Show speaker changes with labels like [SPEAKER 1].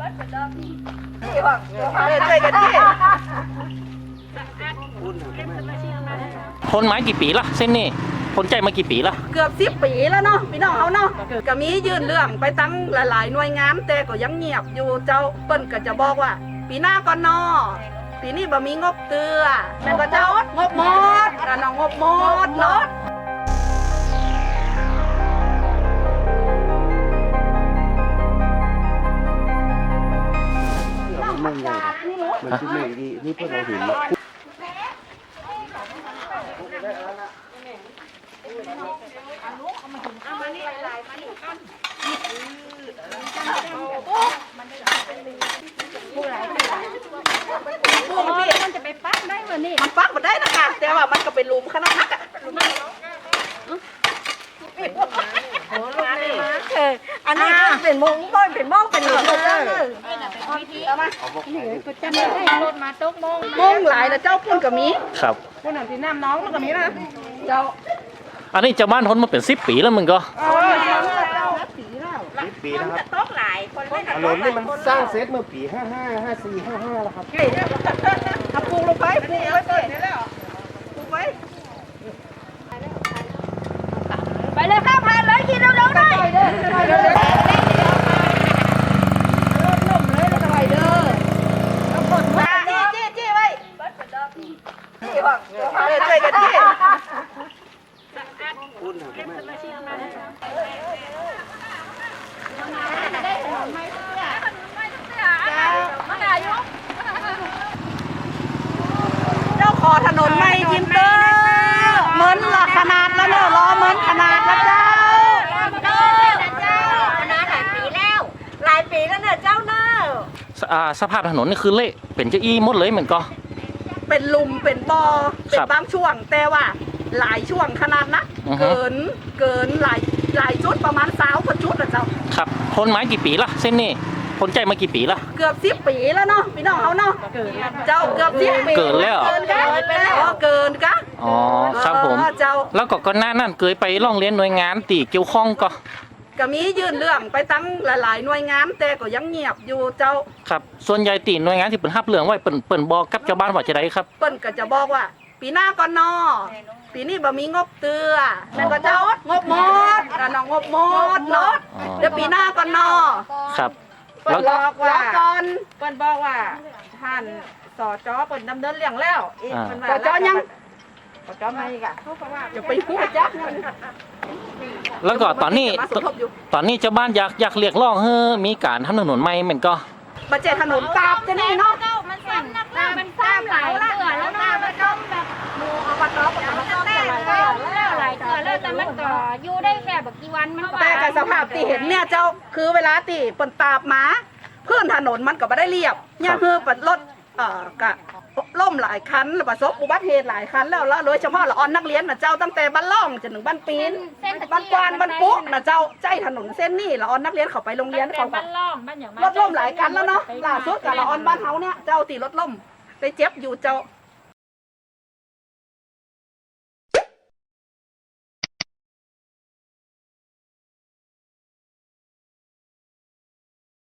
[SPEAKER 1] ช่วยกันที่
[SPEAKER 2] คนไม้กี่ปีละเส้นนี่คนใจมากี่ปีละ
[SPEAKER 1] เกือบ10 ปีแล้วเนาะพี่น้องเขาเนาะก็มียื่นเรื่องไปตั้งหลายๆหน่วยงานแต่ก็ยังเงียบอยู่เจ้าเปิ้นก็จะบอกว่าปีหน้าก่อนเนาะปีนี้บ่มีงบเตือแม่นก็เจ้างบหมดน้องงบหมดเนาะ
[SPEAKER 3] มันใหญ่มันที่ไม่ดีนี่พวกเราเห็น
[SPEAKER 4] มันจะไปปักได้เหรอนี่
[SPEAKER 1] มันปักมาได้นะคะแต่ว่ามันก็เป็นหลุมขนาดนักอ่ะ
[SPEAKER 4] อันนี้เป็นมงต้นเป็นมงเป็นหลุมเลย
[SPEAKER 1] เอามา
[SPEAKER 4] จะไม่ให้รถมาตกมง
[SPEAKER 1] มงหลายนะเจ้าพุ่นกับมี
[SPEAKER 2] ครับ
[SPEAKER 1] พุ่นหนังที่น้ำน้องมันกับมีนะเจ้า
[SPEAKER 2] อันนี้เจ้าบ้านทนมาเป็น10 ปีแล้วมึงก็
[SPEAKER 3] ปีแล้วครับ
[SPEAKER 4] ตกหลายคนไม่
[SPEAKER 3] ถนนนี่มันสร้างเซตเมื่อปี55 54 55แล้วครับ
[SPEAKER 1] เอาปลูกลงไปปลูกไว้เปิดนี่แล้วปลูกไว้
[SPEAKER 4] ไปเลยข้าวพันเลยกินเร็วๆหน่อย
[SPEAKER 1] จี้ไว้ช่วยกันจี้เจ้าขอถนนไม่ยิ้มเตอร์เหมือนละขนาดแล้วเนอะรอเหมือนขนาดแล้วเจ้า
[SPEAKER 4] หลายปีแล้วเนี่ยเจ้าเนอะ
[SPEAKER 2] สภาพถนนนี่คือเละเป็นเจ้าอี้หมดเลยเหมือนก็
[SPEAKER 1] เป็นหลุมเป็นบ่อเป็นบางช่วงแต่ว่าหลายช่วงขนาดนะเกินหลายจุดประมาณ20 กว่าจุดนะเจ้า
[SPEAKER 2] ครับคนไม้กี่ปีละเส้นนี่คนใจมากี่ปีละ
[SPEAKER 1] เกือบ10 ปีแล้วเนาะพี่น้องเขาเนาะเจ้าเกือบ10 ปี
[SPEAKER 2] เกินแล้ว
[SPEAKER 1] เกินกะ
[SPEAKER 2] อ๋อครับผม
[SPEAKER 1] เจ้า
[SPEAKER 2] แล้วก็ก่อนหน้านั้นเคยไปร้องเรียนหน่วยงานตีเกี่ยวข้องก็
[SPEAKER 1] ก็มียื่นเรื่องไปตั้งหลายๆหน่วยงานแต่ก็ยังเงียบอยู่เจ้า
[SPEAKER 2] ครับส่วนใหญ่ตีหน่วยงานที่เปิ่นรับเรื่องไว้เปิ่นบอกกับชาวบ้านว่าจะได้ครับ
[SPEAKER 1] เปิ้นก็จะบอกว่า ปีหน้าก่อนเนาะปีนี้บ่มีงบเตือแม่นก็เจ้างบหมดน้องงบหมดเนาะเดี๋ยวปีหน้าก่อนเนาะ
[SPEAKER 2] ครับ
[SPEAKER 1] เปิ้นบอกว่าก่อน
[SPEAKER 5] เปิ้นบอกว่าท่านสจเปิ้นดำเนินเรื่องแล้วอีกเปิ้นว่า
[SPEAKER 1] สจยัง
[SPEAKER 5] สจไม่อีกอ่ะเขาก็ว่า
[SPEAKER 1] อย่าไปพูดจักมัน
[SPEAKER 2] แล้วก็ตอนนี้
[SPEAKER 1] มาสมทบอยู่
[SPEAKER 2] ตอนนี้ชาวบ้านอยากเรียกร้องให้มีการทำถนนใหม่เหมือนก็
[SPEAKER 1] มาเจถนนกราบจะนี่เนาะ
[SPEAKER 4] มันซ้ำนักหน้ามันซ้ำหลายเตือแล้วหน้ามันต้องแบบหมูเอามาต้มเอามาต้มหลายเตือแล้วแต่มันก็อยู่ได้แค่แบบกี่วันมันก็
[SPEAKER 1] แต่กับสภาพที่เห็นเนี่ยเจ้าคือเวลาที่เปิ้นตาบหมาพื้นถนนมันก็บ่ได้เรียบเนี่ยคือปัดรถกะล่มหลายคันแล้วประสบอุบัติเหตุหลายคันแล้วโดยเฉพาะละออนนักเรียนนะเจ้าตั้งแต่บ้านล่องจนถึงบ้านปีนบ้านกวานบ้านปุ๊กนะเจ้าใจถนนเส้นนี่ละออนนักเรียนเขาไปโรงเรียนเขา
[SPEAKER 4] บ้านล่องบ้านอย่าง
[SPEAKER 1] รถล่มหลายคันแล้วเนาะล่าสุดกับละออนบ้านเฮาเนี่ยเจ้าตีรถล่มไปเจ็บอยู่เจ้า